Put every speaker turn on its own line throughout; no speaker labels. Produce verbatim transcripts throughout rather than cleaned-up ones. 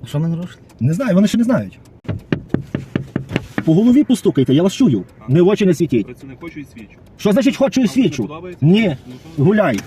Що ми нарушили? Не знаю, вони ще не знають. По голові постукайте, я вас чую. Не в очі не світіть.
Працівник хочу і свідчу.
Що значить хочу і свідчу? Ні, гуляй.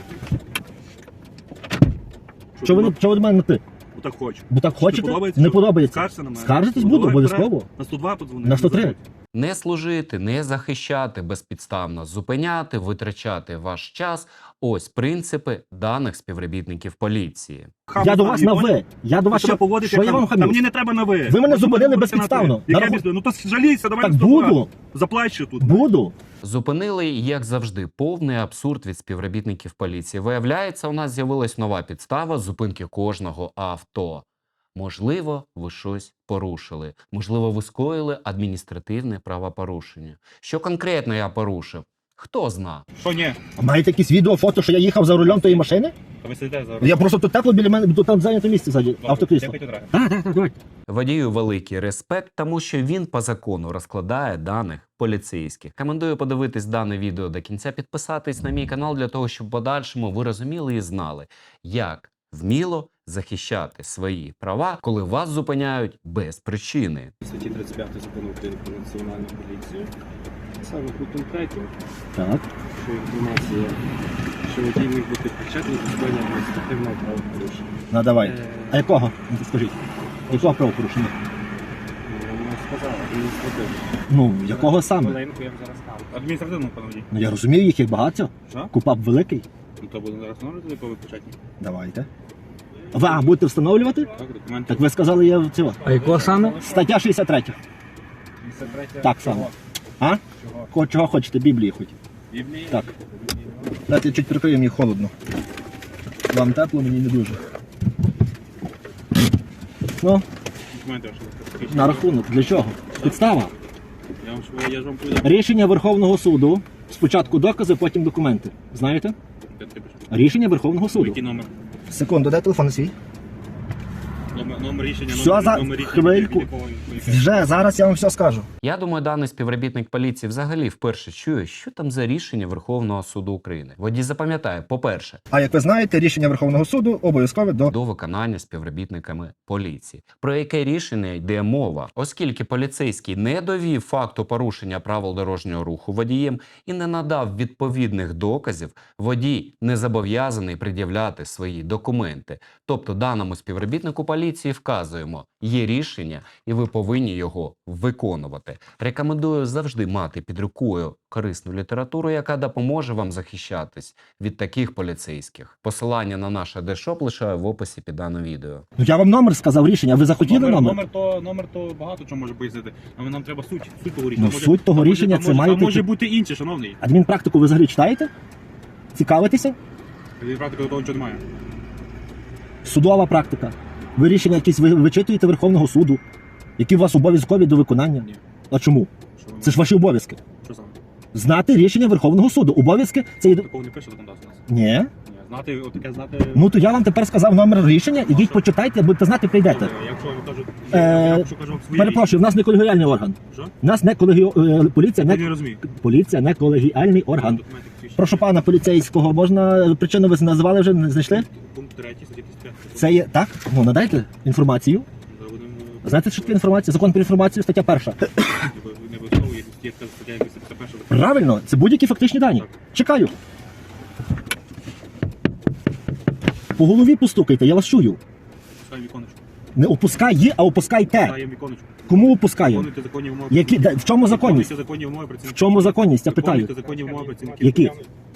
Що ви, що ви до мене на ти?
Бо так хочу.
Бо так хочете?
подобається,
Не
що?
подобається.
Скаржся на мене.
Скаржитесь
Ну,
буду,
давай
обов'язково.
вперед. На сто два подзвони.
На сто три.
Не служити, не захищати безпідставно, зупиняти, витрачати ваш час – ось принципи даних співробітників поліції.
Я до вас на ви. Я до вас
Що,
що, що я вам
Та мені
хамлю?
не треба на ви.
Ви мене
От
зупинили
будете
безпідставно.
на ти. Яке
На раху-
безпідставно? Ну то жалійся, давай
Так
на сто два.
буду.
Заплач ще тут.
Буду.
Зупинили, як завжди, повний абсурд від співробітників поліції. Виявляється, у нас з'явилась нова підстава зупинки кожного авто. Можливо, ви щось порушили. Можливо, ви скоїли адміністративне правопорушення. Що конкретно я порушив? Хто зна?
Що ні?
А маєте якісь відео, фото, що я їхав за рулем тої машини?
Та ви сидите зараз.
Я просто тут тепло біля мене, тут там зайняте місце ззаді, автокрісло. Так, так, так, давай.
Водію великий респект, тому що він по закону розкладає даних поліцейських. Рекомендую подивитись дане відео до кінця, підписатись на мій канал для того, щоб в подальшому ви розуміли і знали, як вміло захищати свої права, коли вас зупиняють без причини.
Статті тридцять п'ять закону України про національну поліцію. Саме пунктом третім,
Так.
що інформація, що водій міг бути причетний до скоєння адміністративного правопорушення.
Ну, давай.
Е,
А якого? Ну, скажіть. Якого правопорушення?
Ну, сказав, адміністративно.
Ну, якого саме?
Хвилинку, я вам зараз скажу.
Адміністративно, пане водій.
Ну, я розумію, їх є багато.
Що?
Купап великий.
Ну то буде зараз номер, до якого ви початні.
Давайте. Ви а, будете встановлювати?
Так, документи.
Так ви сказали, я в цього.
А якого саме?
Стаття шістдесят три.
п'ятдесят третє.
Так само. А? Ко- Чого хочете? Біблії хоч?
Біблії.
Так. Дайте я чуть прикрию, мені холодно. Вам тепло, мені не дуже. Ну,
Документи ваші.
на рахунок. Для чого? Підстава.
Я вам ж- я ж вам повідомив.
Рішення Верховного суду. Спочатку докази, потім документи. Знаєте? Рішення Верховного суду.
Який номер?
Секунду, де телефон свій?
Номер, номер рішення,
Все,
номер,
за-
номер рішення.
хвильку.
від якого ви-
Вже, зараз я вам все скажу.
Я думаю, даний співробітник поліції взагалі вперше чує, що там за рішення Верховного суду України. Водій запам'ятає, по-перше,
А як ви знаєте, рішення Верховного суду обов'язкове до...
до виконання співробітниками поліції. Про яке рішення йде мова? Оскільки поліцейський не довів факту порушення правил дорожнього руху водієм і не надав відповідних доказів, водій не зобов'язаний пред'являти свої документи. Тобто даному співробітнику поліції вказуємо, є рішення і ви повинні його виконувати. Рекомендую завжди мати під рукою корисну літературу, яка допоможе вам захищатись від таких поліцейських. Посилання на наш адешоп лишаю в описі під даним відео.
Ну я вам номер сказав рішення, ви захотіли
Номер,
номер?
номер, то, номер то багато чого може пояснити. Але нам треба суть, суть того рішення.
Ну,
Може-
суть того
а може-
рішення
а
це
може-
має
а може
бути-
бути інше, шановний.
Адмінпрактику ви взагалі читаєте? Цікавитеся?
Від практики до того нічого немає.
Судова практика. Ви рішення якісь ви вичитуєте Верховного суду, які у вас обов'язкові до виконання.
Ні.
А чому?
Що, ви-
Це ж ваші обов'язки.
що саме?
Знати рішення Верховного суду. Обов'язки це є...
Такого не пише законодавство у нас.
Ні.
Ні, знати, отаке знати...
Ну то я вам тепер сказав номер рішення, ідіть почитайте, будете знати, прийдете.
Добре, Якщо я кажу,
Е,
я кажу, кажу вам свої
Перепрошую, в нас не колегіальний орган.
рішення. Що?
У нас не колегі... е, поліція,
Я не
не...
розумію.
поліція не колегіальний орган.
Документи посвідчення.
Прошу пана поліцейського, можна причину ви називали вже, не знайшли?
Пункт третій, статті тридцять п'ять.
Це є так? Ну надайте інформацію.
Зараз будемо-
Знаєте, що таке інформація? Закон про інформацію, стаття перша.
Не ви- не обов'язково, є є така стаття, якась стаття перша.
Правильно, це будь-які фактичні дані.
Так.
Чекаю. По голові постукайте, я вас чую.
Пускаємо віконечко.
Не опускай її, а опускайте.
Пускаємо віконечко.
Кому опускаю?
Виконуйте законні вимоги.
Які, де- в чому законність?
Виконуйте законні вимоги
В
працівників.
чому законність? Я питаю.
Виконуйте законні вимоги працівників.
Які?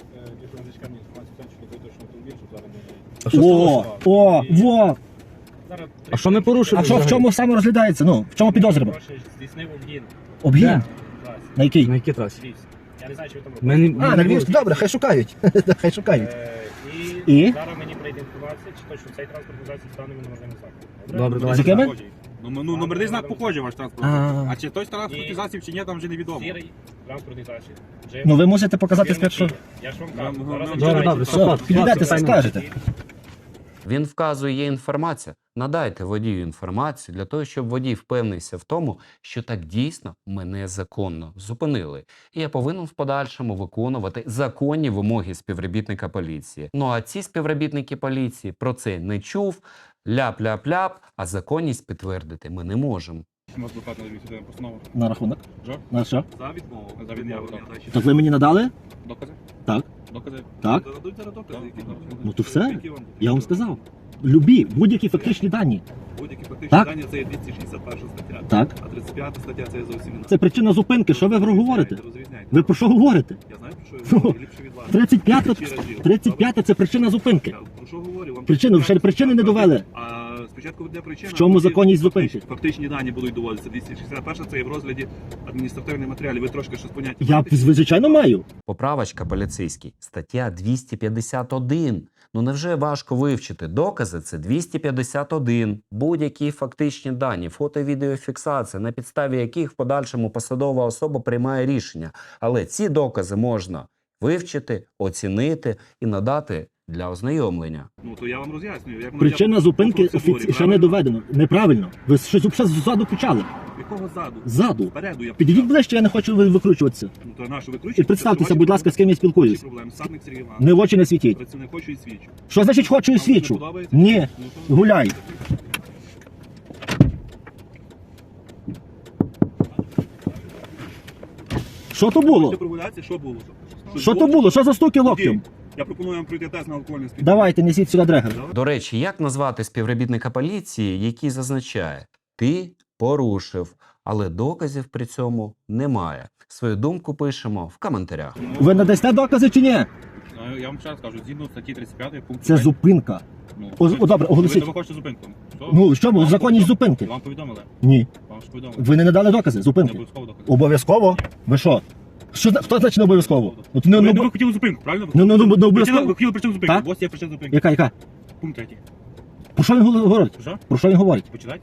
А що
О, о, во.
А що ми порушили?
А що, в чому саме розглядається? Ну, в чому підозрюємо?
Здійснив обгін.
Обгін?
Де?
На який?
На якій трасі?
Я не знаю, чи ви там
Ми не-
А,
ми
на
не
Львівську, добре, хай шукають. Хай шукають.
Е,
І?
І зараз мені прийде інформація, чи то, що цей транспортний засіб з даними неможливим знаком.
Добре,
З
давайте.
якими?
Похожий. Ну, ну, номерний знак похожий ваш транспорт.
А.
А чи той транспортний
Ні.
засіб, чи ні, там вже невідомо.
Сірий транспортний засіб. Джип.
Ну ви мусите показати
Фірми
спочатку.
Kia. Я ж вам кажу.
Ну,
Зараз
ну,
зачекайте.
добре,
Все,
Супер.
підійдете,
Питання.
скажете.
Він вказує, є інформація. Надайте водію інформацію для того, щоб водій впевнився в тому, що так дійсно мене законно зупинили. І я повинен в подальшому виконувати законні вимоги співробітника поліції. Ну а ці співробітники поліції про це не чув, Ляп-ляп-ляп, а законність підтвердити ми не можемо.
Ми адвокат надаю сюди постанову.
На рахунок.
Що?
На що?
За відмову.
За відмову, так.
Відмову.
Так ви мені надали?
Докази?
Так.
Докази?
Так.
Дадуть зараз докази, які
Так.
нам-
Ну то все.
які вам-
Я вам сказав. Любі, будь-які фактичні дані.
Будь-які фактичні
Так.
дані це є двісті шістдесят перша стаття.
Так.
А тридцять п'ята стаття це є зовсім інакше.
Це причина зупинки. Що ви говорите?
Розрізняйте.
Ви про що говорите?
Я знаю, про що
Ну,
я говорю, ліпше від вас.
тридцять п'ята
Тисячі разів.
тридцять п'ята це причина зупинки.
Я про що говорю? Вам
Причину, ще причини не довели.
А спочатку буде причина.
В чому
а потім
законність
фактичні-
зупинки?
Фактичні дані будуть доводитися. двісті шістдесят перша це є в розгляді адміністративних матеріалів. Ви трошки щось поняття.
Я
маєте?
звичайно маю.
Поправочка поліцейський. Стаття двісті п'ятдесят один. Ну невже важко вивчити? Докази – це двісті п'ятдесят один. Будь-які фактичні дані, фото-відеофіксація, на підставі яких в подальшому посадова особа приймає рішення. Але ці докази можна вивчити, оцінити і надати для ознайомлення.
Ну то я вам роз'яснюю. Як воно
Причина
я-
зупинки
по процедурі,
офіці... ще не
правильно?
доведено. Неправильно. Ви щось ще ззаду почали.
Якого ззаду?
Ззаду.
Спереду я
Підійдіть
почав.
ближче, я не хочу ви- викручуватися.
Ну то нашу викручуєте.
І представтеся,
Це
будь ласка, з ким я спілкуюсь.
проблем. Садник Сергій Іванович.
Не в очі не світіть.
Працівник хочу і свідчу.
Що значить хочу і
Вам це не
свідчу?
подобається?
Ні.
Ну, то-
Гуляй. Що то було?
Хочете прогулятися? Що було?
Що то було? Що за стуки локтем?
Я пропоную вам пройти тест на алкогольне сп'яніння.
Давайте, несіть сюди дрегер.
До речі, як назвати співробітника поліції, який зазначає «ти порушив», але доказів при цьому немає? Свою думку пишемо в коментарях.
Ви надасте докази чи ні?
Ну, я вам ще раз кажу, згідно статті тридцять п'ять пункт
Це
п'ять.
зупинка.
Ну,
О,
ви-
о, добре, оголосіть.
Ви, ви хочете зупинку? Що?
Ну, що,
Вам
законність
повідом-
зупинки?
Вам повідомили?
Ні.
Вам ж повідомили.
Ви не надали докази
Не
зупинки?
обов'язково докази.
Обов'язково? Ви що? Що зна- хто значить не обов'язково? Ну, то не,
Ви,
не,
ну, ви
обо-
хотіли зупинку, правильно?
Ну, ну, ну, ну,
Причина-
обов'язково.
Ви хотіли причину зупинки.
Так.
Ось є причина зупинки.
Яка, яка?
Пункт третій.
Про що він говорить?
Що?
Про що він говорить?
Почитайте.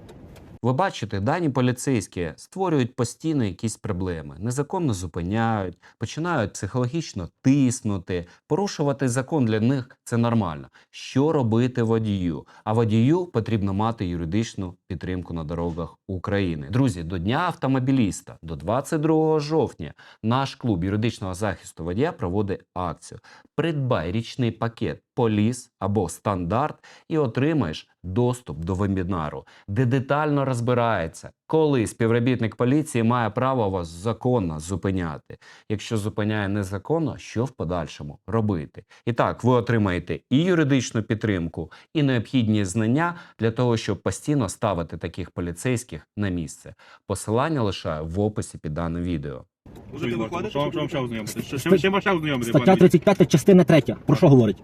Ви бачите, дані поліцейські створюють постійно якісь проблеми, незаконно зупиняють, починають психологічно тиснути, порушувати закон для них – це нормально. Що робити водію? А водію потрібно мати юридичну підтримку на дорогах України. Друзі, до Дня автомобіліста, до двадцять другого жовтня, наш клуб юридичного захисту водія проводить акцію. Придбай річний пакет «Поліс» або «Стандарт» і отримаєш доступ до вебінару, де детально розбирається, коли співробітник поліції має право вас законно зупиняти. Якщо зупиняє незаконно, що в подальшому робити? І так, ви отримаєте і юридичну підтримку, і необхідні знання для того, щоб постійно ставити таких поліцейських на місце. Посилання лишаю в описі під даним відео.
Можете
Що
виходити,
що вам
щоб
ще ознайомити? Що-
Ста-
Ще вам ще ознайомити?
Стаття
пане?
тридцять п'ята, частина третя. Про що говорить?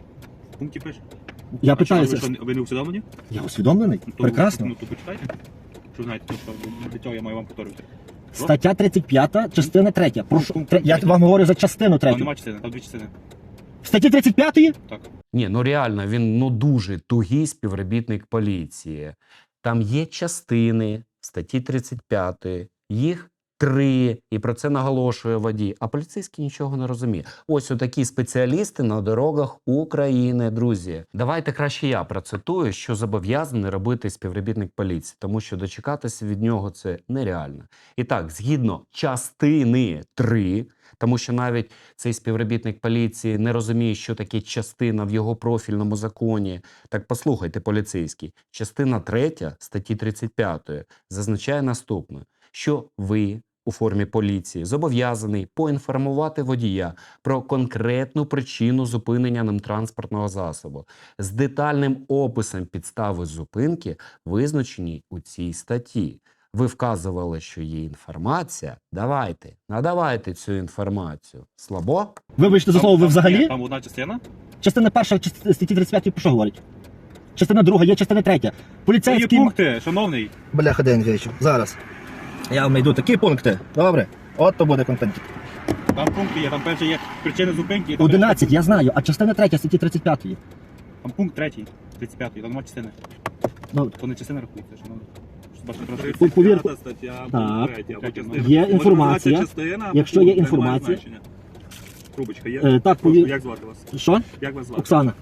В пункті пише.
Я
А що,
питаюся.
ви що, ви не усвідомлені?
Я усвідомлений?
Ну, то-
Прекрасно.
Ну, то почитайте. Що знаєте, то, що для цього я маю вам повторювати.
Стаття тридцять п'ята, частина третя. Про що-
Пункт
тре- Я
третій.
вам говорю за частину
Там
третю.
нема частини, там дві частини.
В статті тридцять п'ятої?
Так.
Ні, ну реально, він ну дуже тугий співробітник поліції. Там є частини в статті тридцять п'ять, їх три, і про це наголошує водій, а поліцейський нічого не розуміє. Ось отакі спеціалісти на дорогах України, друзі. Давайте краще я процитую, що зобов'язаний робити співробітник поліції, тому що дочекатися від нього це нереально. І так, згідно частини три, тому що навіть цей співробітник поліції не розуміє, що таке частина в його профільному законі. Так послухайте, поліцейський. Частина третя статті тридцять п'ять зазначає наступне, що ви у формі поліції зобов'язаний поінформувати водія про конкретну причину зупинення ним транспортного засобу з детальним описом підстави зупинки, визначеній у цій статті. Ви вказували, що є інформація. Давайте, надавайте цю інформацію. Слабо?
Вибачте за слово, ви
Там-
взагалі?
ні, Там одна частина.
Частина перша част- статті тридцять п'ять про що говорить? Частина друга, є частина третя.
Це є
Поліцейський...
пункти, шановний.
Бляха, Денчич, зараз. Я вам знайду такі пункти. Добре? От то буде контент.
Там пункти є, там перше є причини зупинки. і там
одинадцять, я знаю, а частина третя статті тридцять п'ятої.
Там пункт третій, тридцять п'ятий, там нема частини.
Ну,
То не частина рахується, шановний. Що бачите, трошки.
Пу- повірку.
тридцять п'ята стаття,
Так.
пункт третій, або
Так,
частина.
є
Може,
інформація.
називатися частина, або
Якщо
пункт,
є
це не має
інформація.
значення. Трубочка є?
Е, так,
Прошу,
повір-
як звати вас?
що?
Як вас звати?
Оксана.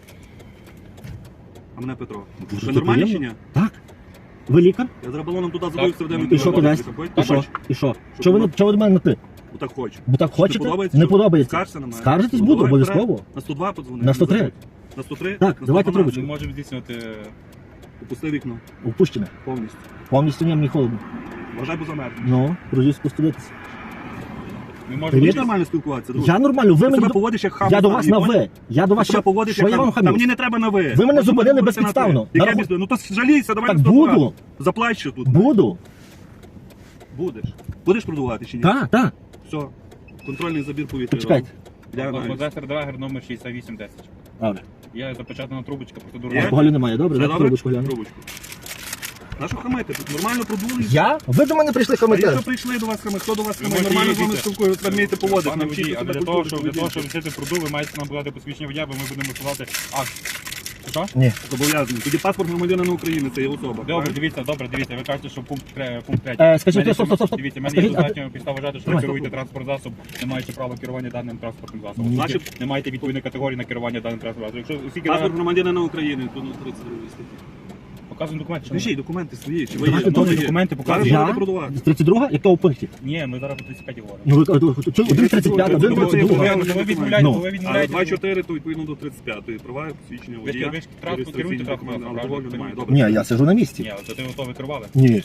А мене Петро.
Дуже
Ви нормальні чи
приємно.
ні?
Так. Ви лікар?
Я зараз балоном туди забився в день.
І що туди? І що? І що? Що ви не- чого ви до мене на ти?
Так хочу.
Бо так хочете?
подобається,
Не
що?
подобається.
Скаржся на мене?
Скаржитись
Ну,
буду,
давай
обов'язково.
На сто два подзвони.
На сто три.
На сто три?
Так,
На
давайте
сто дванадцять.
трубочку.
Ми можемо здійснювати
Опусти вікно.
Опущене.
Повністю.
Повністю ні, мені холодно.
Вважай, бо замерзнеш.
Ну, друзі, спуститися.
Ми
Ти
можемо
вмієш
бути-
нормально спілкуватися, друже?
Я нормально, ви
Ти
мені...
себе
до-
поводиш як хам.
Я до
сам,
вас на
понял?
ви. Я до вас
Ти себе
ще...
поводиш
Що
як
я вам
хам. Та
хамлю?
мені не треба на ви.
Ви мене
От
зупинили
будете
безпідставно.
на ти. Яке
Нараху-
безпідставно? Ну то жалійся, давай
Так
на сто
буду.
два. Заплач ще тут.
Буду.
Будеш. Будеш продавати чи ні?
Так, так.
Все. Контрольний забір повітря.
Почекайте.
Я знаю.
Модестер Драгер номер шістдесят вісім десять.
Добре.
Я запечатана трубочка, процедура.
Є?
Алкоголю немає, добре?
Все
Дайте
добре?
трубочку гляну.
Трубочку. На що хамити? Тут нормально продули.
Я? Ви до мене прийшли
А
хамити.
якщо прийшли до вас хамити, хто до вас
Ви
хамить?
можете
Нормально з вами
їздити.
спілкуюся, ви вмієте поводити.
Пане
Навчіться
водій, а
себе
для того,
культурно
щоб для того,
поводити.
щоб вчити пруду, ви маєте нам подати посвідчення водія, бо ми будемо висилати акт. Що?
Ні.
Зобов'язаний. Тоді паспорт громадянина України, це є особа.
Добре,
правильно?
дивіться, добре, дивіться. Ви кажете, що пункт тре- пункт третій.
Е, скажіть,
Мене
стоп, стоп, стоп, стоп.
Дивіться, в мене
Скажіть,
є
а-
достатньо підстав вважати, що ви
Давай.
керуєте транспорт засоб, не маючи права керування даним транспортним засобом.
Ні.
Значить, не маєте відповідної категорії на керування даним транспортом засобом. Якщо оскільки
Паспорт
даним-
громадянина України, то на тридцять другій статті.
показуємо документи. що
Скажіть, документи свої, чи ви
Давайте
є?
добре,
Ну, є.
документи
Зараз
показуємо.
будете
Я?
продавати.
тридцять друга? Якого пункті?
Ні, ми зараз по тридцять п'ять говоримо.
Ну, ви кажете, один тридцять п'ять, один
Ну,
тридцять
ви-
два.
ви-
Ви відмовляєте,
Ну.
ви
А
відмовляєте.
два чотири, то відповідно до тридцять п'ятої. Права, посвідчення
Ви ж-
водія.
ви ж транспорт керуєте
реєстраційні
транспортом,
документи,
правильно?
алкоголю немає. Добре.
Ні, я сижу на місці.
Ні, то ти готові керували?
Ні.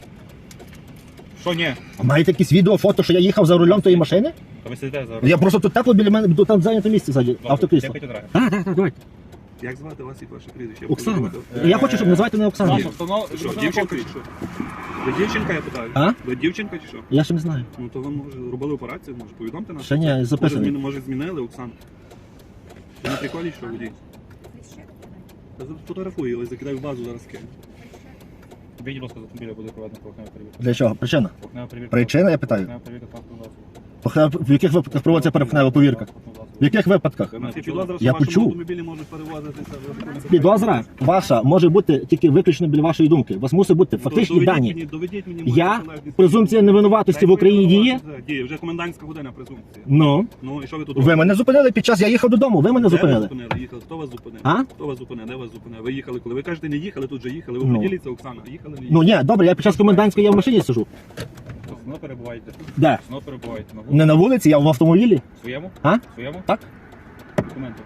Що ні?
А маєте якісь відео, фото, що я їхав за рулем тої машини?
Та ви сидите зараз.
Я просто тут тепло біля мене, тут там зайнято місце ззаді, автокрісло. Так, так, так, давайте.
Як звати вас і ваше прізвище?
Оксана.
Е,
Я хочу, щоб називати мене Оксана.
Наша встанова...
Що, дівчинка чи що? Ви дівчинка, я питаю?
А?
Ви дівчинка чи що?
Я ще не знаю.
Ну то ви може робили операцію, може повідомте нас?
Ще ні,
Може,
записаний.
зміни- може змінили, Оксана? Ви на приколі, що водій? Я фотографую, але закидаю в базу, зараз кину.
Відділ з автомобіля буде проведена поверхнева перевірка.
Для чого? Причина?
Поверхнева перевірка.
Причина, я питаю.
Поверхнева перевірка транспортного засобу.
Похне- В яких випадках проводиться перехнева повірка?
Транспортного засобу.
В яких випадках?
У нас є підозра, що
Я
в вашому
почув.
автомобілі можуть перевозитися.
Підозра ваша може бути тільки виключно біля вашої думки. У вас мусить бути
Ну,
фактичні
доведіть
дані.
Мені, доведіть мені
Я?
мою належність.
Презумпція невинуватості в Україні діє?
Діє, вже комендантська година презумпція.
Ну.
Ну і що ви тут
Ви мене зупинили під час, я їхав додому, ви мене
Де ви
зупинили.
зупинили? Їхали. Хто вас зупинив?
А?
Хто вас зупинив? Де вас зупинив? Ви їхали коли? Ви кажете, не їхали, тут же їхали. Ви
Ну.
поділіться, Оксана. Їхали, не їхали?
Ну ні, добре, я під час комендантської я в машині сижу.
Знову перебуваєте.
Де?
Знову перебуваєте на вулиці.
Не на вулиці, я в автомобілі.
Своєму?
А?
Своєму?
Так.
Документи.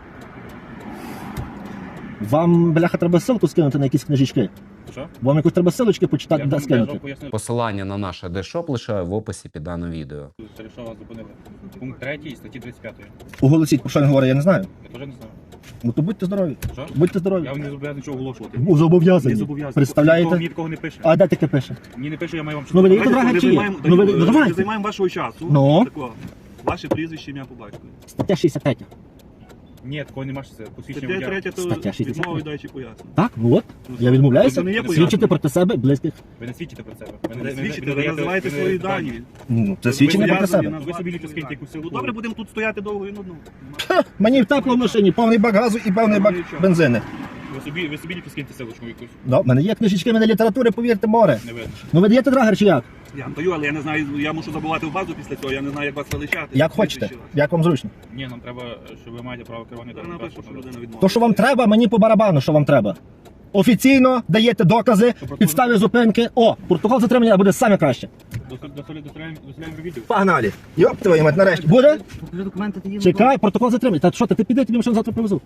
Вам, бляха, треба ссылку скинути на якісь книжечки.
Що?
Вам якусь треба ссылочки почитати,
Я
да,
вам
скинути.
пояснив,
Посилання на наш адешоп лишаю в описі під даним відео.
що вас зупинили. Пункт третій статті тридцять п'ятої.
Оголосіть, про що він говорить, я не знаю.
Я теж не знаю.
Ну то будьте здорові.
Що?
Будьте здорові.
Я вам не зобов'язаний нічого оголошувати.
Ну, зобов'язані.
Не зобов'язаний.
Представляєте?
Мені такого не пише.
А де таке пише?
Мені не пише, я маю вам
Ну, ви
читати.
не
Давайте,
драга
не
чи є?
займаємо-
Ну, ви-
даю,
ну,
е,
давайте.
не займаємо вашого часу.
Ну?
Тако. Ваше прізвище, ім'я по батькові.
Стаття шістдесят три.
Ні, такого нема, що це посвідчення
Стаття
водія.
третя, то
Стаття шістдесят
відмови
три.
дачі пояснення.
Так, ну от.
Ну,
Я відмовляюся
це не є
свідчити
пояснення.
проти себе близьких.
Ви не свідчите про себе.
Ви не свідчите, ви називаєте
ви не
свої
даєте
дані.
Ну, це
Ви
свідчення проти
зобов'язані
себе.
Ви
назвати
собі
свої
ліпо скиньте
дані.
якусь силу.
Ну добре, будемо тут стояти довго і нудно.
Мені тепло в машині, повний бак газу і повний бак бензини.
Ви собі, ви собі ліпо скиньте силочку якусь.
Да, в мене є книжечки, в мене літератури, повірте, море.
Не видно.
Ну ви даєте драгер чи як?
Я вам даю, але я не знаю, я мушу забувати в базу після цього, я не знаю, як вас величати.
Як хочете, як вам зручно.
Ні, нам треба, що ви маєте право керування
Я
даним
напишу, що
транспортом.
людина відмовила.
То, що вам треба, мені по барабану, що вам треба. Офіційно даєте докази, підстави зупинки. О, протокол затримання буде саме краще.
До солі- до солі- до солі- до соляємо відео.
Погнали. Йоп, твою мать, нарешті. Буде?
Покажи документи, ти їм.
Чекай, протокол затримання. Та що ти, ти піди, тобі машину завтра привезу.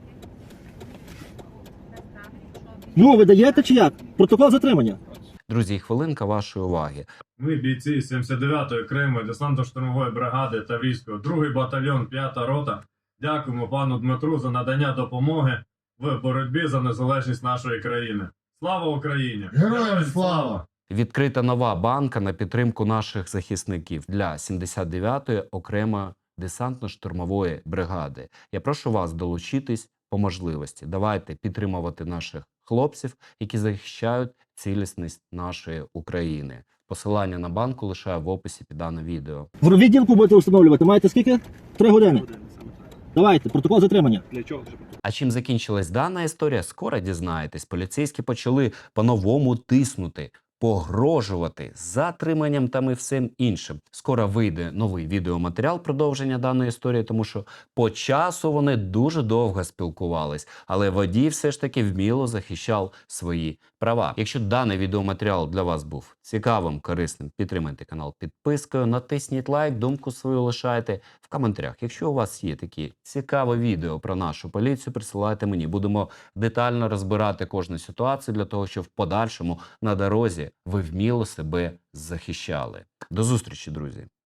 Ну, ви даєте чи як? Протокол затримання.
Друзі, хвилинка вашої уваги.
Ми, бійці сімдесят дев'ятої окремої десантно-штурмової бригади Таврійського, другий батальйон, п'ята рота, дякуємо пану Дмитру за надання допомоги в боротьбі за незалежність нашої країни. Слава Україні!
Героям слава!
Відкрита нова банка на підтримку наших захисників для сімдесят дев'ятої окремої десантно-штурмової бригади. Я прошу вас долучитись по можливості. Давайте підтримувати наших хлопців, які захищають цілісність нашої України. Посилання на банку лишаю в описі під даним відео.
В відділку будете встановлювати. Маєте скільки? Три години.
Години, саме так.
Давайте, протокол затримання.
Для чого вже?
А чим закінчилась дана історія, скоро дізнаєтесь. Поліцейські почали по-новому тиснути погрожувати затриманням там і всім іншим. Скоро вийде новий відеоматеріал продовження даної історії, тому що по часу вони дуже довго спілкувались, але водій все ж таки вміло захищав свої права. Якщо даний відеоматеріал для вас був цікавим, корисним, підтримайте канал підпискою, натисніть лайк, думку свою лишайте в коментарях. Якщо у вас є такі цікаві відео про нашу поліцію, присилайте мені. Будемо детально розбирати кожну ситуацію для того, щоб в подальшому на дорозі ви вміло себе захищали. До зустрічі, друзі!